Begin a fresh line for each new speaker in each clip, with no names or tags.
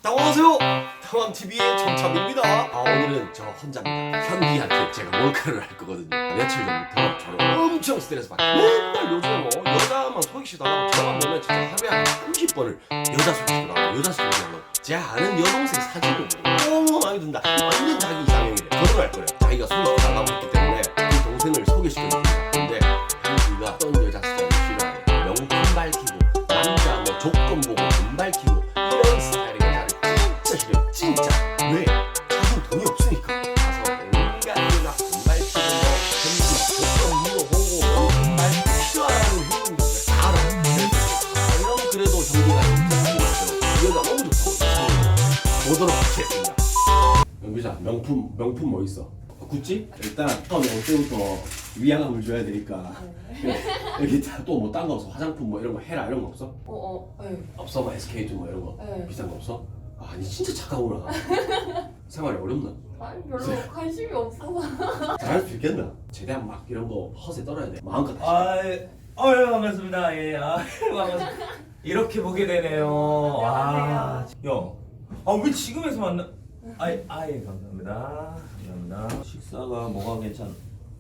안녕하세요. 당황TV의 정참입니다. 오늘은 저 혼자입니다. 현기한테 제가 몰카를 할 거거든요. 며칠 전부터 저를 엄청 스트레스 받고 맨날 요즘에 뭐 여자만 소개시켜달라고 저만 보면 진짜 하루에 한 30번을 여자 소개시켜달라고 여자 소개시켜달라고 제가 아는 여동생 사진을 너무 많이 든다. 완전 자기 이상형이래. 결혼할 거래요. 자기가 소개시켜달라고 했기 때문에 그 동생을 소개시켜줍니다. 근데 현기가 어떤 여자 스타일을 싫어해. 명품 밝히고 남자 뭐 조건 보고 돈 밝히고 이런 스타일의 여자를 진짜 싫어요. 진짜. 왜? 자기는 돈이 없으니까. 가서 온갖 일막 돈 밝히고 뭐 현기 조건 물어보고 돈 밝히고 싫어하는 행동들 다 알아요. 그럼 그래도 현기가 진짜 좋았어요. 이 여자 너무 좋다고 보도록 하겠습니다. 영비자 명품 뭐 있어? 구찌?
일단 처음에 올 때부터 위안감을 줘야 되니까 여기 또 뭐 딴 거 없어? 화장품 뭐 이런 거 해라 이런 거 없어?
네.
없어? 뭐 SK2 뭐 이런 거
네.
비싼 거 없어? 아니 진짜 착하구나. 생활이 어렵나?
아니 별로 관심이 없어서.
잘할 수 있겠나? 최대한 막 이런 거 허세 떨어야 돼. 마음껏 하시.
반갑습니다. 예, 반갑습니다. 이렇게 보게 되네요.
안녕하세요.
형, 왜 지금에서 만나? 감사합니다. 감사합니다. 식사가 뭐가 괜찮?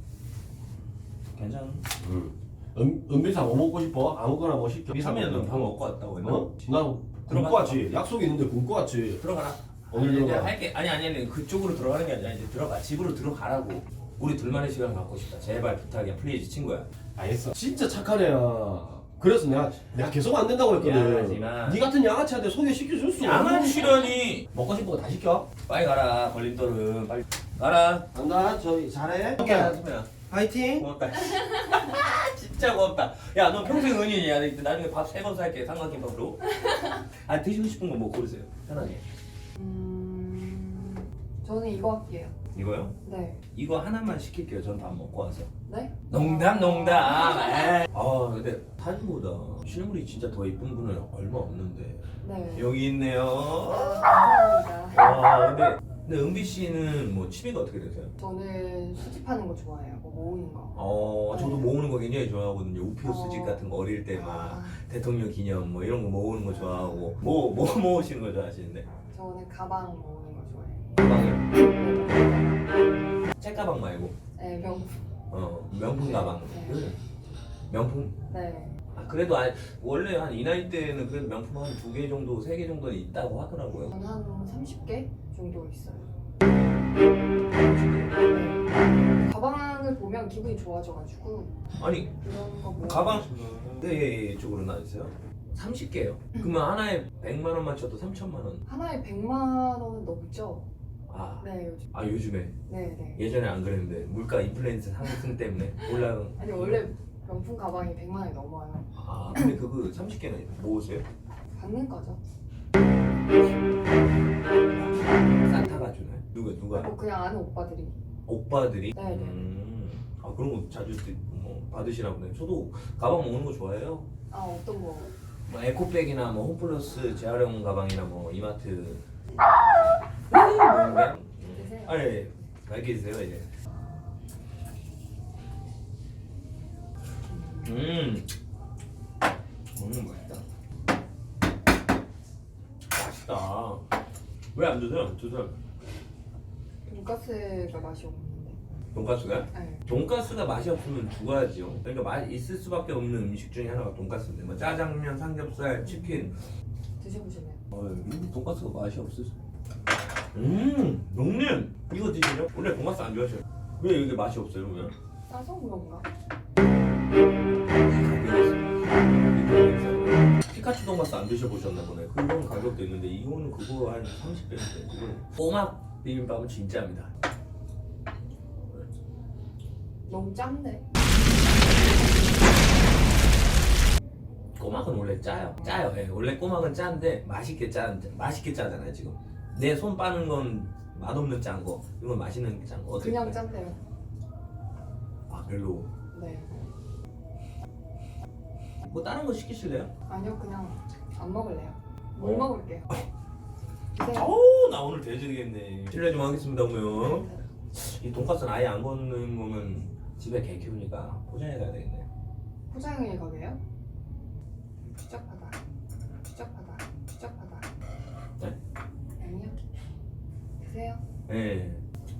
은비사 뭐 먹고 싶어? 아무거나 뭐 시켜.
비사면 넌밥 먹고 왔다고 했나?
어? 난 굶고 왔지. 약속이 있는데 굶고 왔지.
들어가라.
어딜
아니,
들어가?
할게. 아니 그쪽으로 들어가는 게 아니라 이제 들어가. 집으로 들어가라고. 우리 둘만의 시간 갖고 싶다. 제발 부탁이야, 플리즈 친구야.
알겠어. 진짜 착한 애야. 그래서 내가 계속 안 된다고 했거든.
미안하지만
네 같은 양아치한테 소개시켜줄 수
양아치라니.
먹고 싶은 거 다 시켜.
빨리 가라. 걸림돌은 빨리 가라.
간다. 저기 잘해.
소매야.
파이팅.
고맙다. 진짜 고맙다. 야, 너 평생 은인이야. 나중에 밥 3번 살게. 삼각김밥으로. 드시고 싶은 거 뭐 고르세요. 편하게.
저는 이거 할게요.
이거요?
네.
이거 하나만 시킬게요. 전 밥 먹고 와서.
네?
농담. 근데 사진보다 실물이 진짜 더 이쁜 분은 얼마 없는데.
네.
여기 있네요.
감사합니다.
근데 은비 씨는 뭐 취미가 어떻게 되세요?
저는 수집하는 거 좋아해요. 뭐 모으는 거.
저도 모으는 거 굉장히 좋아하거든요. 우표 수집 같은 거 어릴 때 막 대통령 기념 뭐 이런 거 모으는 거 좋아하고 뭐 모으시는 거 좋아하시는데?
저는 가방 모으는 거 좋아해요.
가방이요? 책 말고
네, 명품.
명품 가방.
네.
명품?
네.
그래도 원래 한 이 나이 때는 그래도 명품 한 2개 정도 3개 정도는 있다고 하더라고요.
저는 한 30개 정도 있어요. 가방을 보면 기분이 좋아져가지고
아니
그런 거 모으는
가방
거 좋아해요.
네 쪽으로 나왔어요? 30개요? 그러면 하나에 100만 원만 쳐도 3천만 원.
하나에 100만 원은 넘죠? 네, 요즘.
요즘에
네.
예전에 안 그랬는데 물가 인플레이션 상승 때문에 올라간.
아니 원래 명품 가방이 100만 원이 넘어요.
근데 그거 30개나 모으세요?
받는 거죠.
산타가 주나요? 누가?
뭐 그냥 아는 오빠들이.
오빠들이?
네네.
그런 거 자주 뭐 받으시나 보네. 저도 가방 모으는 거 좋아해요.
어떤 거?
뭐 에코백이나 뭐 홈플러스 재활용 가방이나 뭐 이마트.
드세요.
예. 맛있게 드세요 이제. 맛있다. 맛있다. 왜 안 드세요? 드세요.
돈가스가 맛이 없는데.
돈가스가?
네.
돈가스가 맛이 없으면 죽어야죠. 그러니까 맛이 있을 수밖에 없는 음식 중에 하나가 돈가스인데 뭐 짜장면, 삼겹살, 치킨.
드셔보시면.
돈가스가 맛이 없을 수. 형님 이거 드시죠? 원래 돈가스 안 좋아하셔요. 왜 이게 맛이 없어요, 왜?
싸서 그런가?
피카츄 돈가스 안 드셔보셨나 보네. 그런 가격도 있는데 이거는 그거 한 30배인데 그거는 꼬막 비빔밥은 진짜입니다.
너무 짠데.
꼬막은 원래 짜요. 예, 원래 꼬막은 짠데 맛있게 짜잖아요 지금. 내 손 빠는 건 맛없는 짠 거, 이건 맛있는 짠 거.
그냥 짠데요.
별로.
네.
뭐 다른 거 시키실래요?
아니요, 그냥 안 먹을래요. 물 먹을게요. 드세요.
나 오늘 돼지되겠네. 실례 좀 하겠습니다, 그러면. 이 돈가스는 아예 안 걷는 거면 집에 개 키우니까 포장해 가야 되겠네.
포장해 가게요? 추적하다.
네?
드세요?
예.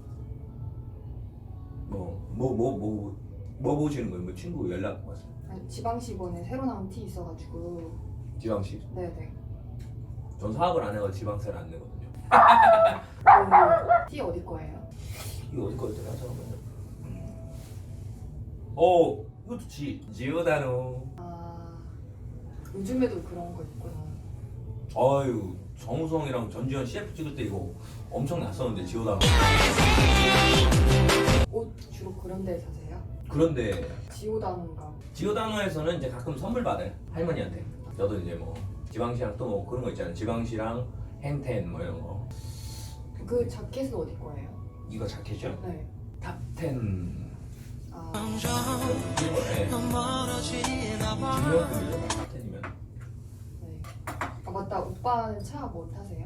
뭐 보시는 거예요? 뭐 친구 연락 왔어요?
아니, 지방시 이번에 새로 나온 티 있어가지고.
지방시.
네네.
전 사업을 안 해서 지방세를 안 내거든요.
티 어디 거예요?
이거 어디 거였더라? 잠깐만요. 이것도 지오다노.
아, 요즘에도 그런 거 있구나.
아유, 정우성이랑 전지현 CF 찍을 때 이거 엄청 났었는데 지오다노.
옷 주로 그런 데 사세요?
그런데
지오다는가?
지오다노에서는 이제 가끔 선물 받아요. 할머니한테. 저도 이제 뭐 지방시랑 또 뭐 그런 거 있잖아요. 지방시랑 행텐 뭐 이런 거.
그 자켓은 어디 거예요?
이거 자켓이요?
네.
탑10
아,
중명품이죠. 탑10이면.
네. 아 맞다. 오빠는 차 뭐 타세요?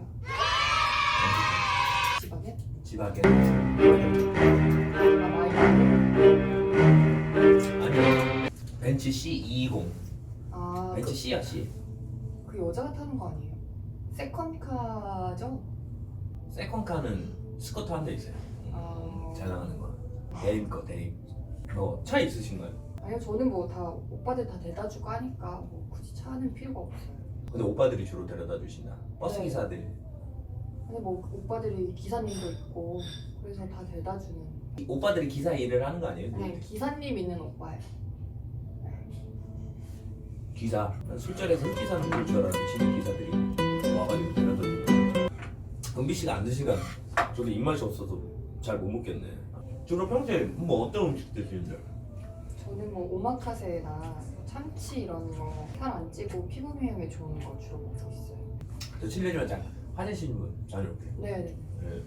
지바겐?
지방에
아 마이바겐?
아니요. 벤츠 C220.
아,
벤츠 C야 C.
그 여자가 타는 거 아니에요? 세컨카죠?
세컨카는 스커트 한 대 있어요.
아.
잘 나가는 거. 대임 거 대임. 차 있으신가요?
아니요, 저는 뭐 다 오빠들 다 대다 주고 하니까 뭐 굳이 차는 필요가 없어요.
근데 오빠들이 주로 데려다 주시나? 버스
네.
기사들.
근데 뭐 오빠들이 기사님도 있고 그래서 다 대다 주는.
오빠들이 기사 일을 하는 거 아니에요?
네, 기사님 있는 오빠예요.
기사. 난 술자리에서 흑기사는 볼 줄 알았는데 진짜 기사들이 와가지고 데려다 주고. 은비 씨가 안 드시니까 저도 입맛이 없어서 잘 못 먹겠네. 주로 평소에 뭐 어떤 음식 드시는데?
저는 뭐 오마카세나 참치 이런 거 살 안 찌고 피부 미용에 좋은 거 주로 먹고 있어요.
저 실례지만 잠깐 화장실 좀 다녀올게요.
네.
네.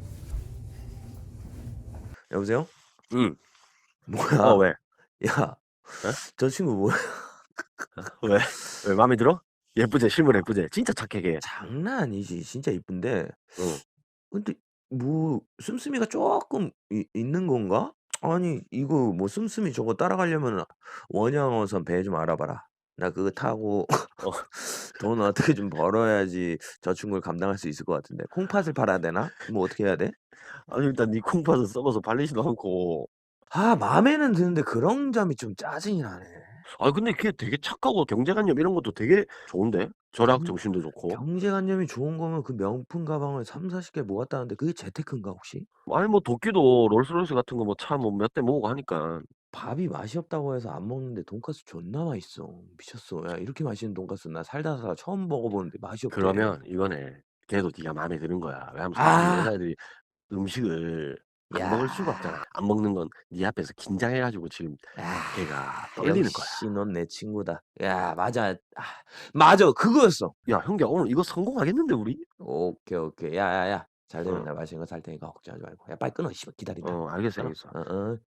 여보세요?
응.
뭐야?
왜?
야, 저 친구 뭐야?
왜? 왜 마음에 들어? 예쁘지? 실물 예쁘지? 진짜 착해 걔.
장난 아니지. 진짜 이쁜데.
응.
근데 뭐 씀씀이가 조금 있는 건가? 아니 이거 뭐 씀씀이 저거 따라가려면 원양어선 배 좀 알아봐라. 나 그거 타고 돈 어떻게 좀 벌어야지 저 친구를 감당할 수 있을 것 같은데. 콩팥을 팔아야 되나? 뭐 어떻게 해야 돼?
아니 일단 네 콩팥은 썩어서 발리지도 않고.
아 마음에는 드는데 그런 점이 좀 짜증이 나네.
아 근데 걔 되게 착하고 경제관념 이런 것도 되게 좋은데? 절약
경-
정신도 좋고.
경제관념이 좋은 거면 그 명품 가방을 3, 40개 모았다는데 그게 재테크인가 혹시?
아니 뭐 도끼도 롤스로이스 같은 거 뭐 차 뭐 몇 대 모으고 하니까.
밥이 맛이 없다고 해서 안 먹는데 돈가스 존나 맛있어. 미쳤어. 야 이렇게 맛있는 돈가스 나 살다 처음 먹어보는데 맛이 없대.
그러면 이거네. 걔도 네가 마음에 드는 거야. 왜냐면
아.
여자애들이 음식을 안
야.
먹을 수가 없잖아. 안 먹는 건 네 앞에서 긴장해가지고 지금
아,
걔가 떨리는 거야.
역시 넌 내 친구다. 야 맞아. 맞아 그거였어.
야 형규야 오늘 이거 성공하겠는데 우리?
오케이. 야야야. 잘 되면
어.
나 맛있는 거 살 테니까 걱정하지 말고. 야 빨리 끊어. 씨발 기다린다.
알겠어.
어.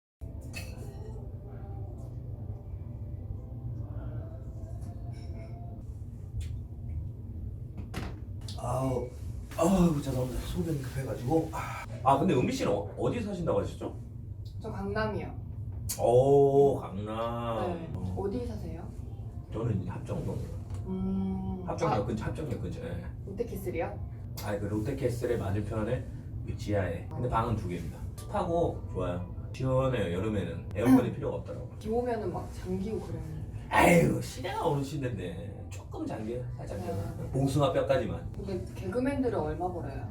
아우 죄송합니다. 소변이 급해가지고. 근데 은비 씨는 어디 사신다고 하셨죠?
저 강남이요.
오 강남.
네. 어디 사세요?
저는 합정동.
아,
합정역 근처. 합정역 근처에.
롯데캐슬이요?
그 롯데캐슬의 맞은편에 그 지하에. 근데 방은 2개입니다. 습하고 좋아요. 시원해요. 여름에는 에어컨이 필요가 없더라고.
비 오면은 막 잠기고 그래요.
아유 시대가 어느 시대인데 조금 잠겨 살짝 봉숭아 뼈까지만.
근데 개그맨들은 얼마 벌어요?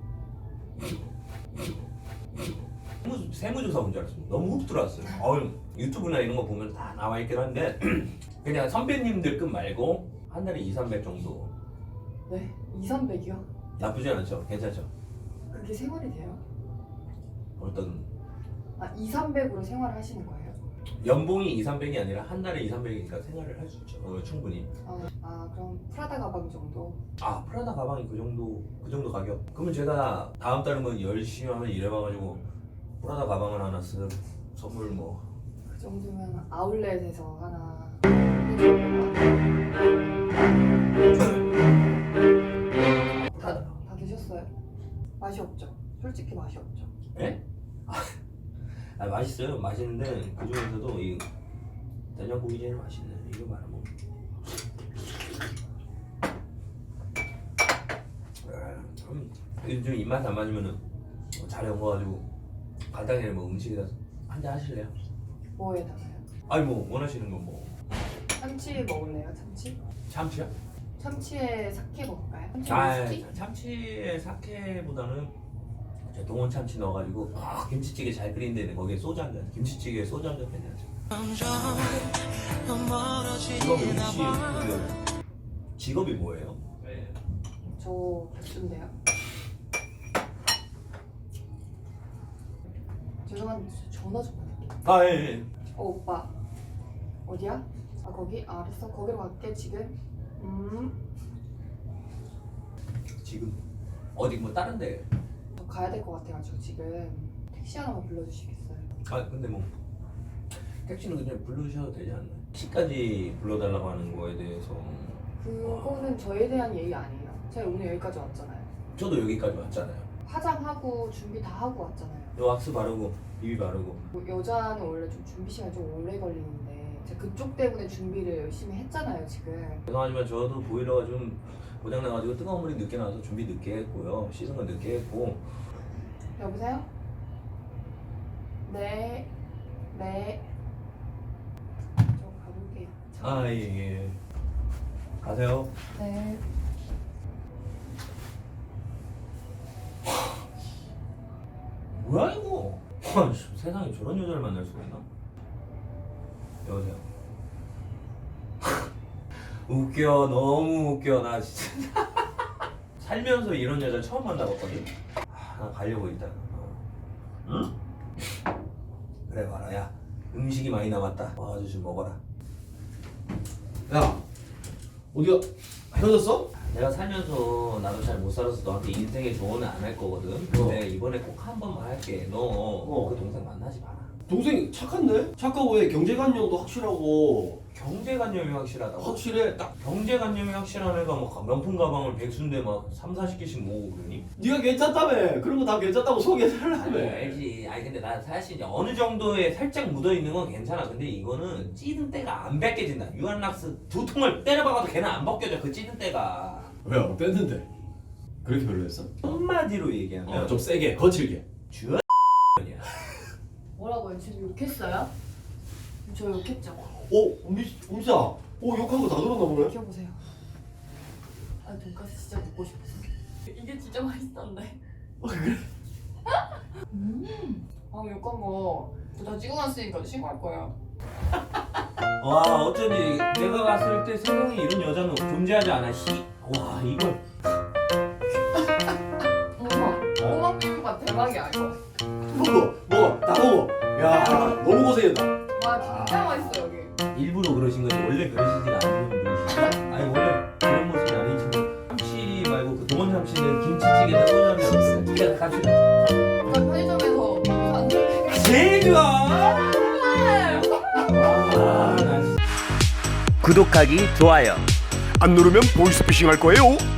세무조사 온 줄 알았어요. 너무 훅 들어왔어요. 유튜브나 이런 거 보면 다 나와 있긴 한데 그냥 선배님들급 말고 한 달에 200-300 정도.
네? 200-300이요?
나쁘지 않죠? 괜찮죠?
그게 생활이 돼요?
어떤
아, 200-300으로 생활을 하시는 거예요?
연봉이 200-300이 아니라 한 달에 200-300이니까 생활을 할 수 있죠. 충분히.
그럼 프라다 가방 정도?
프라다 가방이 그 정도 가격. 그러면 제가 다음 달에 뭐 열심히 하면 일해봐가지고 프라다 가방을 하나 선물 뭐.
그 정도면 아울렛에서 하나 다 드셨어요? 맛이 없죠? 솔직히 맛이 없죠?
예? 맛있어요. 맛있는데 그 중에서도 이 된장국이 제일 맛있네. 이거 말아 먹. 좀 입맛 안 맞으면은 잘 엉어가지고 간단히 뭐 음식에다 한잔 하실래요?
뭐에다가요?
아니 뭐 원하시는 건 뭐
참치 먹을래요? 참치?
참치요?
참치에 사케 먹을까요? 참치
아
위스키?
참치에 사케보다는 저 동원 참치 넣어가지고 김치찌개 잘 끓이는데 거기에 소주 한 잔, 김치찌개에 소주 한 잔 빼내야죠. 직업이 혹시 직업이 뭐예요?
저 백수인데요. 죄송한데 전화 좀 받을게요.
아 예.
오빠 어디야? 아 거기? 아, 알았어 거기로 갈게 지금.
지금 어디 뭐 다른데?
저 가야 될 것 같아가지고 지금 택시 하나만 불러주시겠어요?
아 근데 뭐 택시는 그냥 불러주셔도 되지 않나요? 택시까지 불러달라고 하는 거에 대해서
그거는 저에 대한 예의 아니에요. 제가 오늘 여기까지 왔잖아요.
저도 여기까지 왔잖아요.
화장하고 준비 다 하고 왔잖아요.
왁스 바르고 비비 바르고
뭐 여자는 원래 좀 준비 시간이 좀 오래 걸리는데 제가 그쪽 때문에 준비를 열심히 했잖아요 지금.
죄송하지만 저도 보일러가 좀 고장나가지고 뜨거운 물이 늦게 나와서 준비 늦게 했고요. 씻은 건 늦게 했고.
여보세요? 네. 네. 저 가볼게요.
아 예. 가세요.
네.
뭐야 이거? 와, 세상에 저런 여자를 만날 수가 있나? 여보세요. 웃겨, 너무 웃겨. 나 진짜 살면서 이런 여자 처음 만나봤거든. 나 가려고 일단. 응? 그래 봐라 야. 음식이 많이 남았다. 와가지고 좀 먹어라.
야 어디가 헤어졌어?
내가 살면서 나도 잘 못 살아서 너한테 인생의 조언은 안 할 거거든. 근데 이번에 꼭 한 번만 할게. 너 그 동생 만나지 마라.
동생 착한데? 착하고 해. 경제관념도 확실하고
경제관념이 확실하다고?
확실해. 딱
경제관념이 확실한 애가 뭐 명품 가방을 백수인데 막 3, 40개씩 모으고 그러니?
네가 괜찮다며. 그런 거 다 괜찮다고 소개해달라며.
아니 알지. 아니 근데 나 사실 이제 어느 정도에 살짝 묻어있는 건 괜찮아. 근데 이거는 찌든 때가 안 벗겨진다. 유한락스 2통을 때려박아도 걔는 안 벗겨져. 그 찌든 때가.
왜요? 뺐는데 그렇게 별로였어?
한마디로 얘기하면
좀 세게 거칠게.
주연 이야.
뭐라고요? 지금 욕했어요? 저 욕했죠?
음사. 욕한 거 다 들었나 보네.
키워보세요. 아 돈까스 진짜 먹고 싶었어. 이게 진짜 맛있던데.
그래?
아 욕한 거 다 찍어 놨으니까 신고할 거예요.
와 어쩐지 내가 봤을 때 세상에 이런 여자는 존재하지 않아. 와 이걸
꼬막 비빔밥 대박이야 이거.
먹어. 다 먹어. 야 너무 고생했다.
와 진짜 맛있어 여기.
일부러 그러신 거지. 원래 그러시지가 않는 분이시죠. 아니 원래 그런 모습이 아니지만 참치 말고 그 동원 참치는 김치찌개에다 소주하면 두개다 같이
편의점에서 안 돼.
제일 좋아. 나
구독하기, 좋아요.
안 누르면 보이스피싱 할 거예요.